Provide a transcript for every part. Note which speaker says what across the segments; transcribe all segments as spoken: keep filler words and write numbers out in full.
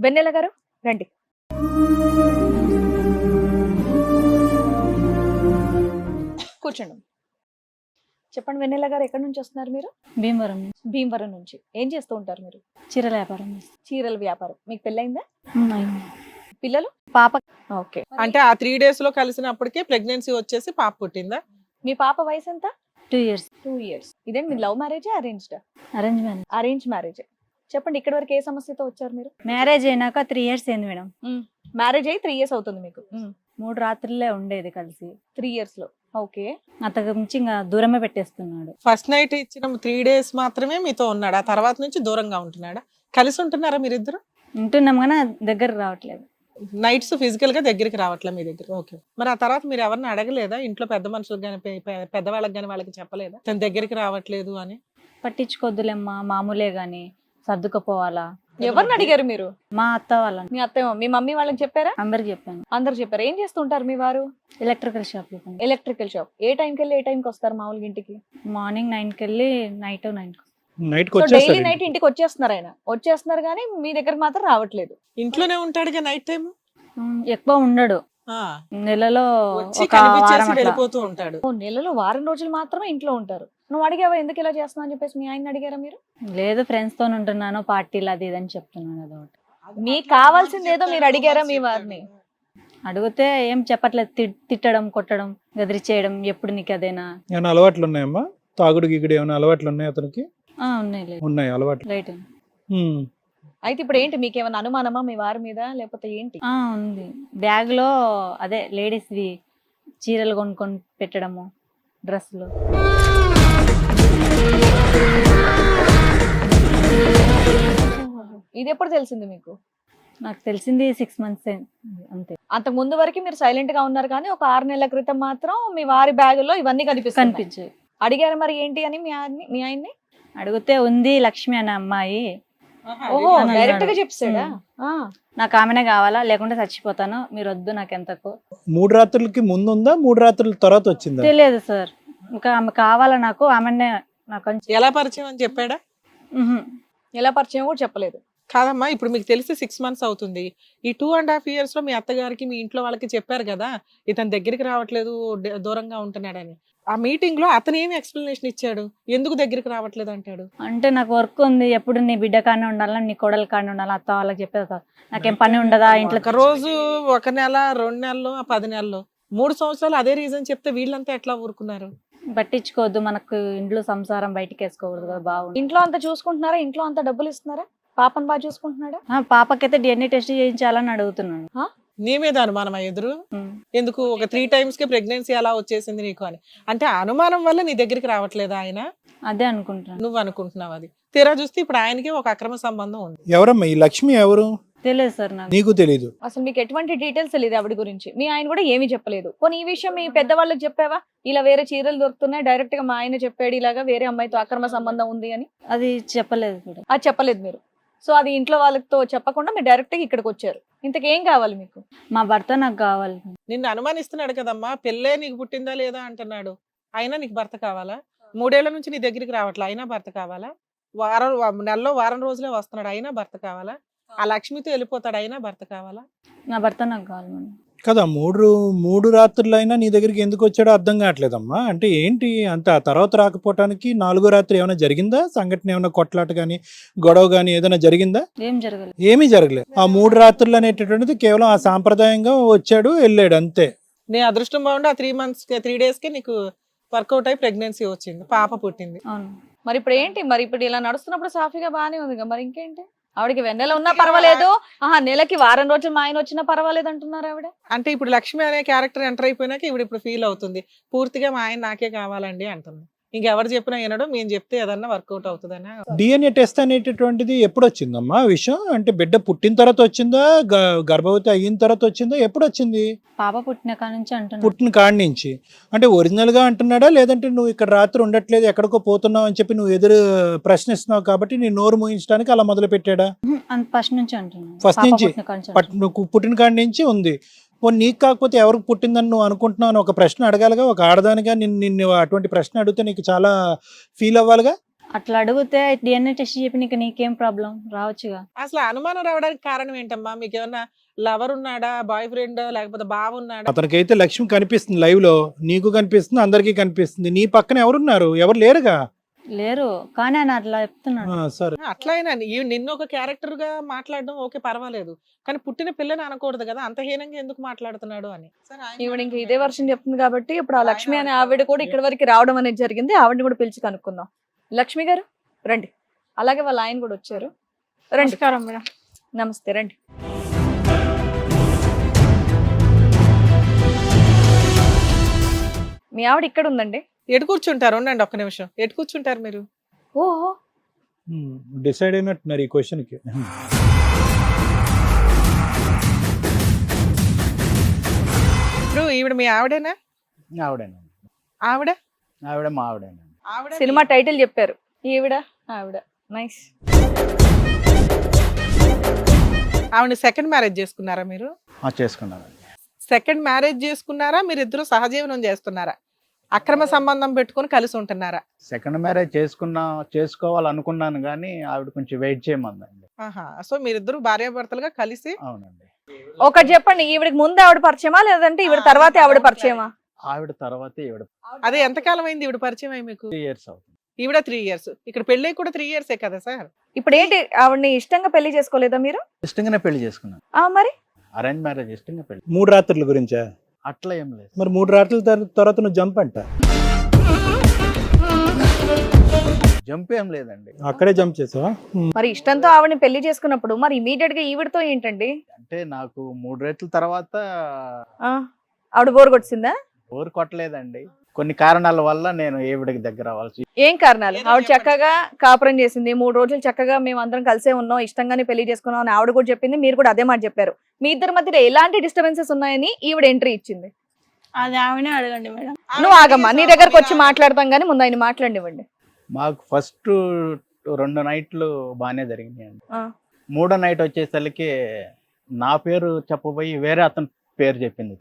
Speaker 1: వెన్నెల గారు రండి. కూర్చోండి. చెప్పండి వెన్నెల గారు, ఎక్కడి నుంచి వస్తున్నారు మీరు?
Speaker 2: భీమవరం.
Speaker 1: భీమవరం నుంచి. ఏం చేస్తూ ఉంటారు మీరు?
Speaker 2: చీరల వ్యాపారం చేస్తాం.
Speaker 1: చీరల వ్యాపారం. మీకు పెళ్ళైందా?
Speaker 2: ఉన్నాయి.
Speaker 1: పిల్లలు?
Speaker 2: పాప
Speaker 1: ఓకే.
Speaker 3: అంటే ఆ త్రీ డేస్ లో కలిసినప్పటికే ప్రెగ్నెన్సీ వచ్చేసి పాప పుట్టిందా?
Speaker 1: మీ పాప వయసు ఎంత?
Speaker 2: Two years.
Speaker 1: Two years. ఇదేంటి మీ లవ్ మ్యారేజా అరేంజ్డా?
Speaker 2: Arrange marriage.
Speaker 1: Arrange marriage. చెప్పండి, ఇక్కడి వరకు ఏ సమస్యతో వచ్చారు మీరు?
Speaker 2: మ్యారేజ్ అయినాక త్రీ ఇయర్స్ అయింది మేడం.
Speaker 1: మ్యారేజ్ అయ్యి త్రీ ఇయర్స్ అవుతుంది మీకు.
Speaker 2: మూడు రాత్రులే ఉండేది కలిసి.
Speaker 1: త్రీ ఇయర్స్ లో. ఓకే.
Speaker 2: అంతకు మించి ఇంకా దూరమే పెట్టేస్తున్నాడు.
Speaker 3: ఫస్ట్ నైట్ ఇచ్చిన త్రీ డేస్ మాత్రమే మీతో ఉన్నాడు, ఆ తర్వాత నుంచి దూరంగా ఉంటున్నాడా? కలిసి ఉంటున్నారా మీరిద్దరు?
Speaker 2: ఉంటున్నాం కానీ దగ్గర రావట్లేదు.
Speaker 3: నైట్స్ ఫిజికల్ గా దగ్గరికి రావట్లే మీ దగ్గర. ఓకే. మరి ఆ తర్వాత మీరు ఎవరిని అడగలేదా? ఇంట్లో పెద్ద మనుషులకు కానీ పెద్దవాళ్ళకి కానీ వాళ్ళకి చెప్పలేదా తన దగ్గరికి రావట్లేదు అని?
Speaker 2: పట్టించుకోద్దులేమ్మా, మామూలే గాని సర్దుకుపోవాలా.
Speaker 1: ఎవరిని అడిగారు మీరు?
Speaker 2: మా అత్త వాళ్ళని.
Speaker 1: మీ అత్తయ్య మీ మమ్మీ వాళ్ళకి చెప్పారా?
Speaker 2: అందరికి చెప్పాను.
Speaker 1: అందరు చెప్పారు. ఏం చేస్తుంటారు మీ వారు?
Speaker 2: Electrical shop.
Speaker 1: Electrical shop. ఏ టైంకి వెళ్ళి ఏ టైంకి వస్తారు మామూలుగా ఇంటికి?
Speaker 2: మార్నింగ్ నైన్ కి వెళ్ళి నైట్ నైన్ కి.
Speaker 4: నైట్
Speaker 1: డైలీ నైట్ ఇంటికి వచ్చేస్తున్నారు. ఆయన వచ్చేస్తున్నారు కానీ మీ దగ్గర మాత్రం రావట్లేదు.
Speaker 3: ఇంట్లోనే ఉంటాడుగా నైట్ టైం?
Speaker 2: ఎక్కువ ఉండడు. నెలలో
Speaker 3: వచ్చి
Speaker 2: ఒక వారం
Speaker 3: కనిపించేసి
Speaker 2: అట్లా.
Speaker 3: వెళ్ళిపోతూ ఉంటాడు.
Speaker 1: ఓ నెలలో వారం రోజులు మాత్రమే ఇంట్లో ఉంటారు. నువ్వు అడిగావా ఎందుకు ఇలా చేస్తున్నావు అని చెప్పేసి? మీ ఆయన అడిగారా మీరు?
Speaker 2: లేదు, ఫ్రెండ్స్ తో ఉంటున్నాను, పార్టీలు అది ఇది అని చెప్తున్నాను. అదొకటి.
Speaker 1: మీకు కావాల్సింది ఏదో మీరు అడిగారా మీ వారిని?
Speaker 2: అడిగితే ఏం చెప్పట్లేదు. తి- తిట్టడం, కొట్టడం, గదిరిచేయడం. ఎప్పుడు నీకు అదేనా?
Speaker 4: ఏమైనా అలవాట్లు ఉన్నాయమ్మా? తాగుడు గిగుడు ఏమైనా అలవాట్లు ఉన్నాయి అతనికి?
Speaker 2: ఆ, ఉన్నాయి లేదు.
Speaker 4: ఉన్నాయి అలవాట్లు.
Speaker 2: రైట్.
Speaker 4: ఉమ్.
Speaker 1: అయితే ఇప్పుడు ఏంటి, మీకు ఏమైనా అనుమానమా మీ వారి మీద లేకపోతే ఏంటి?
Speaker 2: ఆ, ఉంది. బ్యాగ్ లో అదే లేడీస్ వి చీరలు కొనుక్కొని పెట్టడము, డ్రెస్సులు.
Speaker 1: ఇది ఎప్పుడు తెలిసింది మీకు?
Speaker 2: నాకు తెలిసింది సిక్స్ మంత్స్ అంతే.
Speaker 1: అంతకు ముందు వరకు మీరు సైలెంట్ గా ఉన్నారు కానీ ఒక ఆరు నెలల క్రితం మాత్రం మీ వారి బ్యాగ్ లో ఇవన్నీ కనిపిస్తాయి.
Speaker 2: కనిపించాయి.
Speaker 1: అడిగారు మరి ఏంటి అని మీ ఆయన్ని మీ ఆయన్ని?
Speaker 2: అడిగితే ఉంది లక్ష్మి అనే అమ్మాయి.
Speaker 1: ఓహో,
Speaker 2: అని
Speaker 1: డైరెక్ట్ గా
Speaker 2: అన్నాడు.
Speaker 1: చెప్పాడా? ఆ.
Speaker 2: నాకు ఆమెనే కావాలా, లేకుంటే చచ్చిపోతాను, మీరు వద్దు నాకు ఎంతకు.
Speaker 4: మూడు రాత్రులకి ముందు ఉందా, మూడు రాత్రుల తర్వాత వచ్చిందా?
Speaker 2: తెలియదు సార్. ఇంకా ఆమె కావాలా నాకు, ఆమెనే నాకు అని చెప్-
Speaker 3: ఎలా పరిచయం అని చెప్పాడా?
Speaker 2: ఉహు.
Speaker 1: ఎలా పరిచయం కూడా చెప్పలేదు.
Speaker 3: కాదమ్మా, ఇప్పుడు మీకు తెలిసి సిక్స్ మంత్స్ అవుతుంది. ఈ టూ అండ్ హాఫ్ ఇయర్స్ లో మీ అత్తగారికి మీ ఇంట్లో వాళ్ళకి చెప్పారు కదా ఇతని దగ్గరికి రావట్లేదు, డ- దూరంగా ఉంటున్నాడని. ఆ మీటింగ్ లో అతను ఏమి ఎక్స్ప్లెనేషన్ ఇచ్చాడు? ఎందుకు దగ్గరికి రావట్లేదు అంటాడు?
Speaker 2: అంటే నాకు వర్క్ ఉంది, ఎప్పుడు నీ బిడ్డ కానే ఉండాలా, నీ కోడలు కానే ఉండాలా, అత్త వాళ్ళకి చెప్పేది కాదు. నాకేం పని ఉండదా ఇంట్లో?
Speaker 3: ఒక రోజు, ఒక నెల, రెండు నెలలు, ఆ పది నెలలు, మూడు సంవత్సరాలు అదే రీజన్ చెప్తే వీళ్ళంతా ఎట్లా ఊరుకున్నారు?
Speaker 2: పట్టించుకోవద్దు, మనకు ఇంట్లో సంసారం బయటికి వేసుకోకూడదు కదా. బాగుంది.
Speaker 1: ఇంట్లో అంతా చూసుకుంటున్నారా? ఇంట్లో అంతా డబ్బులు ఇస్తున్నారా? పాపను బాగా చూసుకుంటున్నాడా?
Speaker 2: ఆ, పాపకైతే డిఎన్ఏ టెస్ట్ చేయించాలని అడుగుతున్నాను.
Speaker 3: నీ మీద అనుమానం ఎదురు
Speaker 2: ఉమ్.
Speaker 3: ఎందుకు? ఒక త్రీ టైమ్స్ కి ప్రెగ్నెన్సీ ఎలా వచ్చేసింది నీకు అని అంటే ఆ అనుమానం వల్ల నీ దగ్గరికి రావట్లేదా ఆయన?
Speaker 2: అదే అనుకుంటున్నాను.
Speaker 3: నువ్వు అనుకుంటున్నావు. అది తీరా చూస్తే ఇప్పుడు ఆయనకి ఒక అక్రమ సంబంధం ఉంది.
Speaker 4: ఎవరమ్మా ఈ లక్ష్మి? ఎవరు?
Speaker 2: తెలియదు సార్ నాకు.
Speaker 4: నీకు తెలీదు?
Speaker 1: అసలు మీకు ఎటువంటి డీటెయిల్స్ తెలియదు ఆవిడ గురించి. మీ ఆయన కూడా ఏమీ చెప్పలేదు. పోనీ ఈ విషయం మీ పెద్దవాళ్ళకి చెప్పావా? ఇలా వేరే చీరలు దొరుకుతున్నాయి, డైరెక్ట్ గా మా ఆయన చెప్పాడు ఇలాగా వేరే అమ్మాయితో అక్రమ సంబంధం ఉంది అని.
Speaker 2: అది చెప్పలేదు కూడా.
Speaker 1: అది చెప్పలేదు మీరు. సో అది ఇంట్లో వాళ్ళతో చెప్పకుండా మీరు డైరెక్ట్ గా ఇక్కడికి వచ్చారు. ఇంతకేం కావాలి మీకు?
Speaker 2: మా భర్త నాకు కావాలి.
Speaker 3: నిన్ను అనుమానిస్తున్నాడు కదమ్మా, పెళ్ళే నీకు పుట్టిందా లేదా అంటున్నాడు. అయినా నీకు భర్త కావాలా? మూడేళ్ల నుంచి నీ దగ్గరికి రావట్లే, అయినా భర్త కావాలా? వారం వా- నెలలో వారం రోజులే వస్తున్నాడు, అయినా భర్త కావాలా? ఆ లక్ష్మితో వెళ్ళిపోతాడు, అయినా భర్త కావాలా?
Speaker 2: నా భర్త నాకు కావాలి మేడం.
Speaker 4: కదా, మూడు మూడు రాత్రులు అయినా నీ దగ్గరికి ఎందుకు వచ్చాడో అర్థం కావట్లేదమ్మా. అంటే ఏంటి అంత ఆ తర్వాత రాకపోవటానికి? నాలుగో రాత్రి ఏమైనా జరిగిందా సంఘటన? ఏమైనా కొట్లాట కానీ గొడవ కానీ ఏదైనా జరిగిందా?
Speaker 2: ఏం జరగలేదు.
Speaker 4: ఏమీ జరగలేదు. ఆ మూడు రాత్రులు అనేటటువంటిది కేవలం ఆ సాంప్రదాయంగా వచ్చాడు వెళ్ళాడు అంతే.
Speaker 3: నీ అదృష్టం బాగుండి ఆ త్రీ మంత్స్ త్రీ డేస్ కి నీకు వర్కౌట్ అయి ప్రెగ్నెన్సీ వచ్చింది, పాప పుట్టింది.
Speaker 2: అవును.
Speaker 1: మరి ఇప్పుడు ఏంటి? మరి ఇప్పుడు ఇలా నడుస్తున్నప్పుడు సాఫీగా బాగానే ఉంది కదా, మరి ఇంకేంటి? ఆవిడకి వెన్నెల ఉన్నా పర్వాలేదు, ఆహా నెలకి వారం రోజులు మా ఆయన వచ్చినా పర్వాలేదు అంటున్నారు ఆవిడ.
Speaker 3: అంటే ఇప్పుడు లక్ష్మి అనే క్యారెక్టర్ ఎంటర్ అయిపోయినాక ఇప్పుడు ఇప్పుడు ఫీల్ అవుతుంది పూర్తిగా మా ఆయన నాకే కావాలండి అంటుంది. ఇంకెవరు చెప్పినా వినడు, మేము చెప్తే ఏదన్నా వర్కౌట్ అవుతుందనా?
Speaker 4: డిఎన్ఏ టెస్ట్ అనేటటువంటిది ఎప్పుడు వచ్చిందమ్మా ఆ విషయం? అంటే బిడ్డ పుట్టిన తర్వాత వచ్చిందా, గ- గర్భవతి అయిన తర్వాత వచ్చిందా, ఎప్పుడు వచ్చింది?
Speaker 2: పాప పుట్టిన కాడ నుంచి అంటున్నాను.
Speaker 4: పుట్టిన కాడి నుంచి. అంటే ఒరిజినల్ గా అంటున్నాడా, లేదంటే నువ్వు ఇక్కడ రాత్రి ఉండట్లేదు ఎక్కడికో పోతున్నావు అని చెప్పి నువ్వు ఎదురు ప్రశ్నిస్తున్నావు కాబట్టి నీ నోరు మూయించడానికి అలా మొదలు పెట్టాడా?
Speaker 2: ఫస్ట్ నుంచి అంటున్నాను.
Speaker 4: ఫస్ట్
Speaker 2: పాప
Speaker 4: నుంచి?
Speaker 2: పుట్టిన కాడ నుంచి
Speaker 4: పట్
Speaker 2: అంటున్నాను.
Speaker 4: నువ్వు పుట్టిన కాడి నుంచి ఉంది. పోనీ నీకు కాకపోతే ఎవరికి పుట్టిందని నువ్వు అనుకుంటున్నావు అని ఒక ప్రశ్న అడగాలిగా. ఒక ఆడదానిగా నిన్ను నిన్ను అటువంటి ప్రశ్న అడిగితే నీకు చాలా ఫీల్ అవ్వాలిగా.
Speaker 2: అట్లా అడిగితే డిఎన్ఏ టెస్ట్ చెప్పి నీకు నీకేం ప్రాబ్లం రావచ్చుగా.
Speaker 3: అసలు అనుమానం రావడానికి కారణం ఏంటమ్మా? మీకు ఏమన్నా లవర్ ఉన్నాడా, బాయ్ ఫ్రెండ్, లేకపోతే బావ ఉన్నాడా?
Speaker 4: అతనికైతే లక్ష్మి కనిపిస్తుంది లైవ్ లో, నీకు కనిపిస్తుంది, అందరికీ కనిపిస్తుంది. నీ పక్కన ఎవరున్నారు? ఎవరు లేరుగా.
Speaker 2: లేరు కానీ ఆయన అట్లా చెప్తున్నాడు.
Speaker 4: ఆ, సరే.
Speaker 3: అట్లా అయినా ఈ- నిన్ను ఒక క్యారెక్టర్ గా మాట్లాడడం ఓకే పర్వాలేదు, కానీ పుట్టిన పిల్లని అనకూడదు కదా, అంత హీనంగా ఎందుకు మాట్లాడుతున్నాడు అని.
Speaker 1: ఈవిడ ఇంకా ఇదే వర్షం చెప్తుంది కాబట్టి ఇప్పుడు ఆ లక్ష్మి అనే ఆవిడ కూడా ఇక్కడ వరకు రావడం అనేది జరిగింది. ఆవిడని కూడా పిలిచి కనుక్కుందాం. లక్ష్మి గారు రండి. అలాగే వాళ్ళ ఆయన కూడా వచ్చారు. రండి.
Speaker 5: మేడం.
Speaker 1: నమస్తే, రండి. మీ ఆవిడ ఇక్కడ ఉందండి.
Speaker 3: ఎటు కూర్చుంటారు? ఉండండి ఒక్క నిమిషం. ఎటు కూర్చుంటారు మీరు?
Speaker 1: ఓహో,
Speaker 4: డిసైడ్ అయినట్టున్నారు ఈ క్వశ్చన్ కి.
Speaker 3: ఇప్పుడు ఈవిడ మీ ఆవిడేనా?
Speaker 6: ఆవిడేనండి.
Speaker 3: ఆవిడ
Speaker 6: ఆవిడ మా ఆవిడేనండి.
Speaker 3: ఆవిడ
Speaker 1: సినిమా టైటిల్ చెప్పారు. ఈవిడ ఆవిడ. నైస్.
Speaker 3: ఆవిడ సెకండ్ మ్యారేజ్ చేసుకున్నారా మీరు?
Speaker 6: ఆ, చేసుకున్నానండి.
Speaker 3: సెకండ్ మ్యారేజ్ చేసుకున్నారా? మీరు ఇద్దరు సహజీవనం చేస్తున్నారా? అక్రమ సంబంధం పెట్టుకొని కలిసి ఉంటున్నారా?
Speaker 6: సెకండ్ మ్యారేజ్ చేసుకున్నా చేసుకోవాలనుకున్నాను కానీ ఆవిడ కొంచెం వెయిట్ చేయమందండి.
Speaker 3: ఆహా, సో మీరిద్దరు భార్యాభర్తలుగా కలిసి.
Speaker 6: అవునండి.
Speaker 1: ఒకటి చెప్పండి, ఈవిడకి ముందు ఆవిడ పరిచయమా లేదంటే ఈవిడ తర్వాతే ఆవిడ పరిచయమా?
Speaker 6: ఆవిడ తర్వాత ఈవిడ
Speaker 3: అదే ఎంతకాలం అయింది ఈవిడ పరిచయం అయ్యి మీకు?
Speaker 6: త్రీ ఇయర్స్ అవుతుంది.
Speaker 3: ఈవిడ త్రీ ఇయర్స్, ఇక్కడ పెళ్ళి కూడా త్రీ ఇయర్సే కదా సార్?
Speaker 1: ఇప్పుడు ఏంటి, ఆవిడని ఇష్టంగా పెళ్లి చేసుకోలేదా మీరు?
Speaker 6: ఇష్టంగానే పెళ్లి చేసుకున్నాను.
Speaker 1: ఆ మరి
Speaker 6: అరేంజ్ మ్యారేజ్ ఇష్టంగా పెళ్లి.
Speaker 4: మూడు రాత్రుల గురించా?
Speaker 6: అట్లా ఏం లేదు.
Speaker 4: మరి మూడు రాత్రుల తర్- తర్వాత నువ్వు జంప్ అంట.
Speaker 6: జంప్ ఏం లేదండి.
Speaker 4: అక్కడే జంప్ చేసావా?
Speaker 1: మరి ఇష్టంతో ఆవిడని పెళ్లి చేసుకున్నప్పుడు మరి ఇమీడియట్ గా ఈవిడతో ఏంటండి?
Speaker 6: అంటే నాకు మూడు రేట్ల తర్వాత
Speaker 1: ఆ, ఆవిడ బోర్ కొట్టిందా?
Speaker 6: ఊరు కొట్టలేదండి. కొన్ని కారణాల వల్ల నేను ఈవిడకి దగ్గర అవ్వాల్సి.
Speaker 1: ఏం కారణాలు? ఆవిడ చక్కగా కాపురం చేసింది, మూడు రోజులు చక్కగా మేము అందరం కలిసే ఉన్నాం, ఇష్టంగానే పెళ్లి చేసుకున్నాం అని ఆవిడ కూడా చెప్పింది, మీరు కూడా అదే మాట చెప్పారు. మీ ఇద్దరి మధ్యలో ఎలాంటి డిస్టర్బెన్సెస్ ఉన్నాయని ఈవిడ ఎంట్రీ ఇచ్చింది?
Speaker 5: అది ఆమెనే అడగండి మేడం.
Speaker 1: నువ్వు ఆగమ్మా, నీ దగ్గరకు వచ్చి మాట్లాడతాం కానీ ముందు ఆయన మాట్లాడివ్వండి.
Speaker 6: మాకు ఫస్ట్ రెండు నైట్లు బాగానే జరిగినాయండి.
Speaker 1: ఆ.
Speaker 6: మూడో నైట్ వచ్చేసరికి నా పేరు చెప్పబోయి వేరే అతని పేరు చెప్పింది.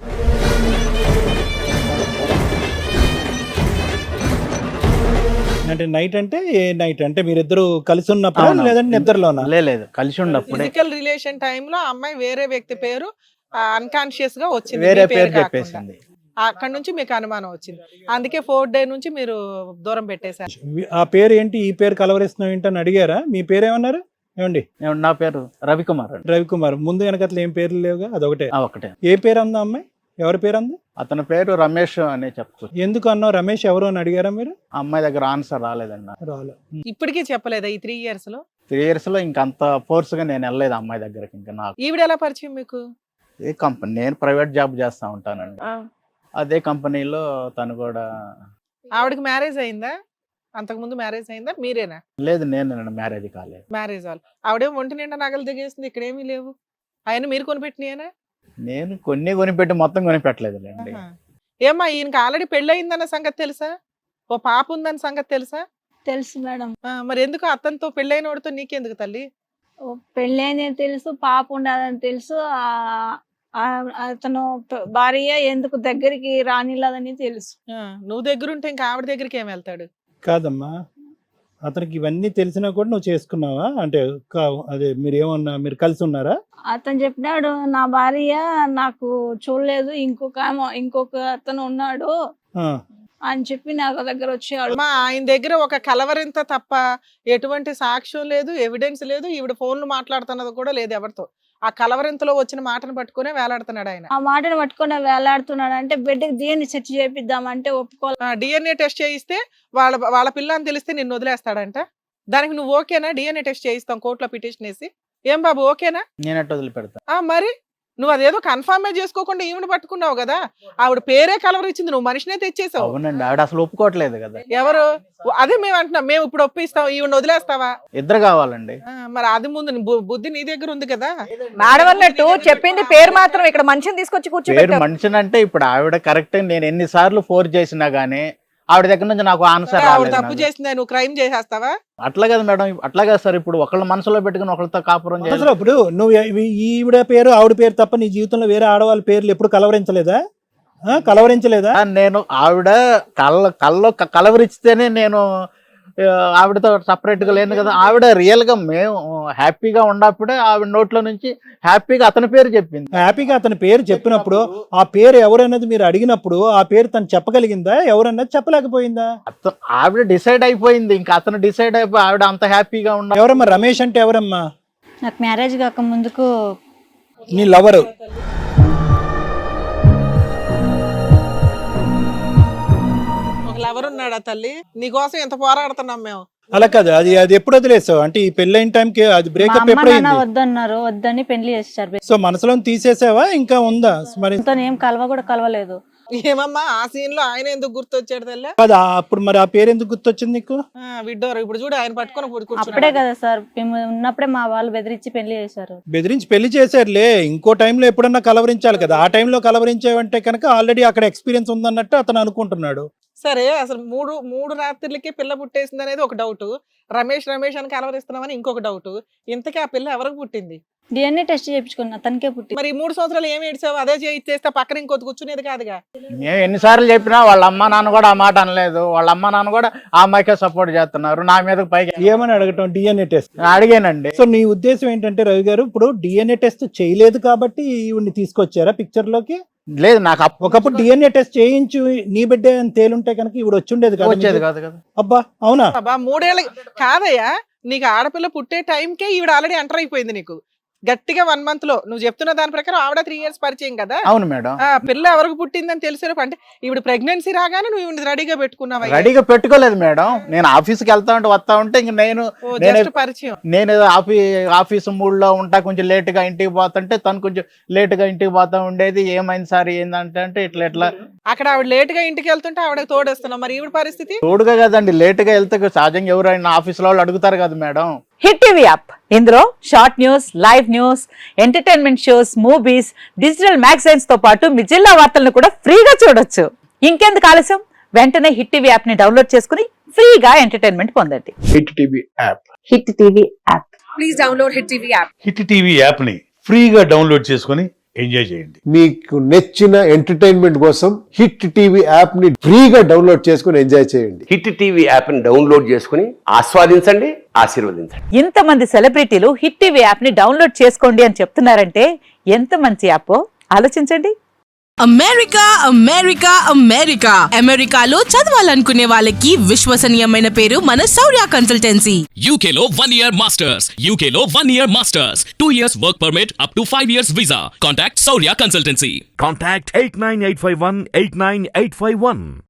Speaker 4: అంటే నైట్ అంటే ఏ నైట్ అంటే మీరిద్దరు కలిసి ఉన్నప్పుడు
Speaker 6: అవును.
Speaker 4: లేదంటే నిద్రలోనా?
Speaker 6: లే- లేదు కలిసి ఉన్నప్పుడే
Speaker 3: ఫిజికల్ రిలేషన్ టైమ్ లో ఆ అమ్మాయి వేరే వ్యక్తి పేరు అన్కాన్షియస్ గా వచ్చింది,
Speaker 6: వేరే
Speaker 3: మీ
Speaker 6: పేరు
Speaker 3: కాకుండా.
Speaker 6: చెప్పేసింది.
Speaker 3: అక్కడ నుంచి మీకు అనుమానం వచ్చింది, అందుకే ఫోర్త్ డే నుంచి మీరు దూరం పెట్టేశారు.
Speaker 4: ఆ పేరు ఏంటి, ఈ పేరు కలవరిస్తున్నావు ఏంటి అని అడిగారా? మీ పేరు ఏమన్నారు? ఏమండి?
Speaker 6: ఏమండి, నా పేరు రవికుమార్ అండి.
Speaker 4: రవికుమార్. ముందు వెనకట్ల ఏం పేర్లు లేవుగా, అదొకటే.
Speaker 6: ఆ, ఒకటే.
Speaker 4: ఏ పేరు అందా అమ్మాయి? ఎవరి పేరు అంది?
Speaker 6: అతని పేరు రమేష్ అనే చెప్పుకోవచ్చు.
Speaker 4: ఎందుకు అన్నావు రమేష్ ఎవరు అని అడిగారా మీరు?
Speaker 6: ఆ అమ్మాయి దగ్గర ఆన్సర్ రాలేదండి నాకు.
Speaker 4: రాలే.
Speaker 3: ఇప్పటికీ చెప్పలేదా ఈ త్రీ ఇయర్స్ లో?
Speaker 6: త్రీ ఇయర్స్ లో ఇంకంత ఫోర్స్ గా నేను వెళ్ళలేదు ఆ అమ్మాయి దగ్గరకి. ఇంకా నాకు
Speaker 3: ఈవిడ ఎలా పరిచయం మీకు?
Speaker 6: ఏ కంపెనీ, నేను ప్రైవేట్ జాబ్ చేస్తా ఉంటానండి.
Speaker 1: ఆ.
Speaker 6: అదే కంపెనీలో తను కూడా.
Speaker 3: ఆవిడకి మ్యారేజ్ అయిందా? అంతకు ముందు మ్యారేజ్ అయిందా? మీరేనా?
Speaker 6: లేదు, నేను మ్యారేజ్ కాలేదు.
Speaker 3: మ్యారేజ్ వాళ్ళు. ఆవిడేం ఒంటి నిండా నగలు దిగేసింది, ఇక్కడ ఏమీ లేవు. ఆయన మీరు కొనిపెట్టినాయేనా?
Speaker 6: నేను కొన్ని కొనిపెట్టి మొత్తం కొనిపెట్టలేదులేండి.
Speaker 3: ఆహా. ఏమ్మా, ఈయనకి ఆల్రెడీ పెళ్ళి అయిందన్న సంగతి తెలుసా? ఓ పాప ఉందన్న సంగతి తెలుసా?
Speaker 5: తెలుసు మేడం.
Speaker 3: ఆ, మరి ఎందుకు అతనితో పెళ్ళైన వాడితో నీకెందుకు తల్లి?
Speaker 5: ఓ పెళ్ళి అయిందని తెలుసు, పాప ఉండదని తెలుసు. ఆ- ఆ- అతను ప- భార్య ఎందుకు దగ్గరికి రానిలేదని తెలుసు.
Speaker 3: ఆ, నువ్వు దగ్గరుంటే ఇంకా ఆవిడ దగ్గరికి ఏం వెళ్తాడు?
Speaker 4: కాదమ్మా, అతనికి ఇవన్నీ తెలిసినా కూడా నువ్వు చేసుకున్నావా? అంటే కా- అదే మీరు ఏమన్నా మీరు కలిసి ఉన్నారా?
Speaker 5: అతను చెప్పినాడు నా భార్య నాకు చూడలేదు, ఇంకొక ఆమె- ఇంకొక అతను ఉన్నాడు
Speaker 4: ఆ.
Speaker 5: అని చెప్పి నాకు దగ్గర వచ్చాడు.
Speaker 3: అమ్మా, ఆయన దగ్గర ఒక కలవరింత తప్ప ఎటువంటి సాక్ష్యం లేదు, ఎవిడెన్స్ లేదు, ఈవిడ ఫోన్లు మాట్లాడుతున్నది కూడా లేదు ఎవరితో. ఆ కలవరింతలో వచ్చిన మాటను పట్టుకునే వేలాడుతున్నాడు ఆయన.
Speaker 5: ఆ మాటను పట్టుకొని వేలాడుతున్నాడు. అంటే బిడ్డకి దేన్ని సెర్చ్ చేపిద్దామంటే ఒప్పుకోవాలి.
Speaker 3: డిఎన్ఏ టెస్ట్ చేయిస్తే వాళ్ళ వాళ్ళ పిల్ల అని తెలిస్తే నిన్ను వదిలేస్తాడంట. దానికి నువ్వు ఓకేనా? డిఎన్ఏ టెస్ట్ చేయిస్తాం కోర్టులో పిటిషన్ వేసి. ఏం బాబు, ఓకేనా?
Speaker 6: నేను ఎట్ట వదిలిపెడతా?
Speaker 3: ఆ మరి నువ్వు అదేదో కన్ఫర్మే చేసుకోకుండా ఈవిడ పట్టుకున్నావు కదా, ఆవిడ పేరే కలవరిచ్చింది, నువ్వు మనిషినే తెచ్చేసావు.
Speaker 6: అవునండి, ఆవిడ అసలు ఒప్పుకోవట్లేదు కదా.
Speaker 3: ఎవరు? అదే మేము అంటున్నాం, మేము ఇప్పుడు ఒప్పిస్తాం, ఈవిడ వదిలేస్తావా?
Speaker 6: ఇద్దరు కావాలండి.
Speaker 3: ఆ, మరి అది ముందు నీ బు- బుద్ధి నీ దగ్గర ఉంది కదా.
Speaker 1: మేడం అన్నట్టు చెప్పింది పేరు మాత్రం, ఇక్కడ మనిషిని తీసుకొచ్చి
Speaker 6: పేరు
Speaker 1: కూర్చోబెట్టారు.
Speaker 6: మనిషిని అంటే ఇప్పుడు ఆవిడ కరెక్ట్. నేను ఎన్నిసార్లు ఫోర్స్ చేసినా గానీ ఆవిడ దగ్గర నుంచి నాకు ఆన్సర్
Speaker 3: ఆవిడ
Speaker 6: రాలేదు.
Speaker 3: తప్పు
Speaker 6: నాకు.
Speaker 3: చేసిందా, నువ్వు క్రైమ్ చేసేస్తావా?
Speaker 6: అట్లా కదా మేడం, అట్లా కదా సార్. ఇప్పుడు ఒకళ్ళ మనసులో పెట్టుకుని ఒకళ్ళతో కాపురం చేయాలి.
Speaker 4: అసలు ఇప్పుడు నువ్వు ఈ- ఈవిడ పేరు ఆవిడ పేరు తప్ప నీ జీవితంలో వేరే ఆడవాళ్ళ పేర్లు ఎప్పుడు కలవరించలేదా? ఆ, కలవరించలేదా?
Speaker 6: నేను ఆవిడ కళ్ళ కళ్ళలో క- కలవరిస్తేనే నేను ఆ, ఆవిడతో separate గా లేను కదా. ఆవిడ రియల్ గా మేము హ్యాపీగా ఉన్నప్పుడే ఆవిడ నోట్లో నుంచి హ్యాపీగా అతని పేరు చెప్పింది.
Speaker 4: హ్యాపీగా అతని పేరు చెప్పినప్పుడు ఆ పేరు ఎవరన్నది మీరు అడిగినప్పుడు ఆ పేరు తను చెప్పగలిగిందా, ఎవరన్నది చెప్పలేకపోయిందా?
Speaker 6: అత- ఆవిడ డిసైడ్ అయిపోయింది, ఇంకా అతను డిసైడ్ అయిపోయి ఆవిడ అంత హ్యాపీగా ఉన్న
Speaker 4: ఎవరమ్మా రమేష్ అంటే ఎవరమ్మా?
Speaker 2: నాకు మ్యారేజ్ కాక ముందుకు
Speaker 4: నీ లవరు.
Speaker 3: ఒకళ్ళు ఎవరున్నాడా తల్లి నీకోసం ఎంత పోరాడుతున్నాం మేము.
Speaker 4: అలా కాదు, అది అది ఎప్పుడు వదిలేసావు అంటే ఈ పెళ్ళైన టైంకి అది
Speaker 2: మా
Speaker 4: బ్రేకప్
Speaker 2: అమ్మ నాన్న
Speaker 4: ఎప్పుడైంది?
Speaker 2: వద్దన్నారు, వద్దని పెళ్లి చేశారు.
Speaker 4: సో మనసులో తీసేసావా ఇంకా ఉందా మరి?
Speaker 2: తనతో ఏం కలవ కూడా కలవలేదు.
Speaker 3: ఏమమ్మా ఆ సీన్ లో ఆయన ఎందుకు గుర్తొచ్చాడు తల్లి?
Speaker 4: కాదు, ఆ- అప్పుడు మరి ఆ పేరు ఎందుకు గుర్తొచ్చింది నీకు?
Speaker 3: విడ్డోరు ఇప్పుడు చూడు ఆయన పట్టుకొని ఇప్పుడు
Speaker 2: అప్పుడే
Speaker 3: కూర్చున్నాడు.
Speaker 2: కదా సార్ మేము ఉన్నప్పుడే మా వాళ్ళు బెదిరించి పెళ్లి చేశారు.
Speaker 4: బెదిరించి పెళ్లి చేశారులే, ఇంకో టైంలో ఎప్పుడన్నా కలవరించాలి కదా. ఆ టైంలో కలవరించేవంటే కనుక ఆల్రెడీ అక్కడ ఎక్స్పీరియన్స్ ఉందన్నట్టు అతను అనుకుంటున్నాడు.
Speaker 3: సరే అసలు మూడు మూడు రాత్రులకి పిల్ల పుట్టేసింది అనేది ఒక డౌట్, రమేష్ రమేష్ అని కలవరిస్తున్నామని ఇంకొక డౌట్. ఇంతకీ ఆ పిల్ల ఎవరికి పుట్టింది?
Speaker 2: డిఎన్ఏ టెస్ట్ చేయించుకున్నా, తనకే పుట్టి.
Speaker 3: మరి ఈ మూడు సంవత్సరాలు ఏమి ఏడ్చావు? అదే చేస్తే పక్కన ఇంకొద్ది కూర్చునేది కాదుగా.
Speaker 6: మేము ఎన్నిసార్లు చెప్పినా వాళ్ళ అమ్మ నాన్న కూడా ఆ మాట అనలేదు. వాళ్ళ అమ్మ నాన్న కూడా ఆ అమ్మాయికే సపోర్ట్ చేస్తున్నారు, నా మీద పైకి
Speaker 4: ఏమని అడగటం? డిఎన్ఏ టెస్ట్
Speaker 6: అడిగానండి.
Speaker 4: సో నీ ఉద్దేశం ఏంటంటే రవి గారు, ఇప్పుడు డిఎన్ఏ టెస్ట్ చేయలేదు కాబట్టి ఈవిడ్ని తీసుకొచ్చారా పిక్చర్ లోకి?
Speaker 6: లేదు, నాకు అప్పు
Speaker 4: ఒకప్పుడు డిఎన్ఏ టెస్ట్ చేయించు నీ బిడ్డే అని తేలుంటే కనుక ఇప్పుడు వచ్చి ఉండేది కదా
Speaker 6: వచ్చేది
Speaker 4: మీకు?
Speaker 6: కాదు కదా.
Speaker 4: అబ్బా అవునా?
Speaker 3: అబ్బా మూడేళ్ళ కాదయ్యా, నీకు ఆడపిల్ల పుట్టే టైంకే ఈవిడ ఆల్రెడీ ఎంటర్ అయిపోయింది నీకు గట్టిగా వన్ మంత్ లో. నువ్వు చెప్తున్న దాని ప్రకారం ఆవిడ త్రీ ఇయర్స్ పరిచయం కదా.
Speaker 6: అవును మేడం.
Speaker 3: ఆ పిల్ల ఎవరికి పుట్టిందని తెలిసేటప్పుడు అంటే ఈవిడ ప్రెగ్నెన్సీ రాగానే నువ్వు ఈవిడ రెడీగా పెట్టుకున్నావా?
Speaker 6: రెడీగా పెట్టుకోలేదు మేడం. నేను ఆఫీస్కి వెళ్తా ఉంటే వస్తా ఉంటే ఇంక నేను నేను
Speaker 3: జస్ట్ పరిచయం.
Speaker 6: నేను ఆఫీ ఆఫీసు మూడ్లో ఉంటా, కొంచెం లేటుగా ఇంటికి పోతుంటే తను కొంచెం లేటుగా ఇంటికి పోతా ఉండేది. ఏమైంది సార్ ఏందంటే అంటే ఇట్లా ఇట్లా
Speaker 3: అక్కడ ఆవిడ లేట్ గా ఇంటికి వెళ్తుంటే ఆవిడ తోడేస్తున్నావు, మరి ఈవిడ పరిస్థితి?
Speaker 6: తోడుగా కదండి, లేటుగా వెళ్తే సహజంగా ఎవరైనా ఆఫీసులో వాళ్ళు అడుగుతారు కదా మేడం.
Speaker 7: హిట్ టీవీ యాప్ ఇందులో short news, live news, entertainment shows, movies, digital magazines తో పాటు మీ జిల్లా వార్తలను కూడా ఫ్రీగా చూడొచ్చు. ఇంకెందుకు ఆలస్యం, వెంటనే హిట్ టీవీ యాప్ ని డౌన్లోడ్ చేసుకుని ఫ్రీగా ఎంటర్టైన్మెంట్ పొందండి.
Speaker 8: Hit TV app
Speaker 7: hit TV app.
Speaker 1: Please download hit TV app.
Speaker 9: Hit TV యాప్ని ఫ్రీగా డౌన్లోడ్ చేసుకొని ఎంజాయ్ చేయండి.
Speaker 8: మీకు నచ్చిన ఎంటర్టైన్మెంట్ కోసం హిట్ టీవీ యాప్ ని ఫ్రీగా డౌన్లోడ్ చేసుకుని ఎంజాయ్ చేయండి.
Speaker 10: హిట్ టీవీ యాప్ ని డౌన్లోడ్ చేసుకుని ఆస్వాదించండి, ఆశీర్వదించండి.
Speaker 7: ఇంతమంది సెలబ్రిటీలు హిట్ టీవీ యాప్ ని డౌన్లోడ్ చేసుకోండి అని చెప్తున్నారంటే ఎంత మంచి యాప్ ఆలోచించండి.
Speaker 11: అమెరికా అమెరికా అమెరికా అమెరికాలో చదవాలనుకునే వాళ్ళకి విశ్వసనీయమైన పేరు మన శౌర్య కన్సల్టెన్సీ.
Speaker 12: యూకేలో వన్ ఇయర్ మాస్టర్స్, యూకేలో one year masters, two years work permit, up to five years visa. Contact Shaurya consultancy.
Speaker 13: Contact eight nine eight five one eight nine eight five one.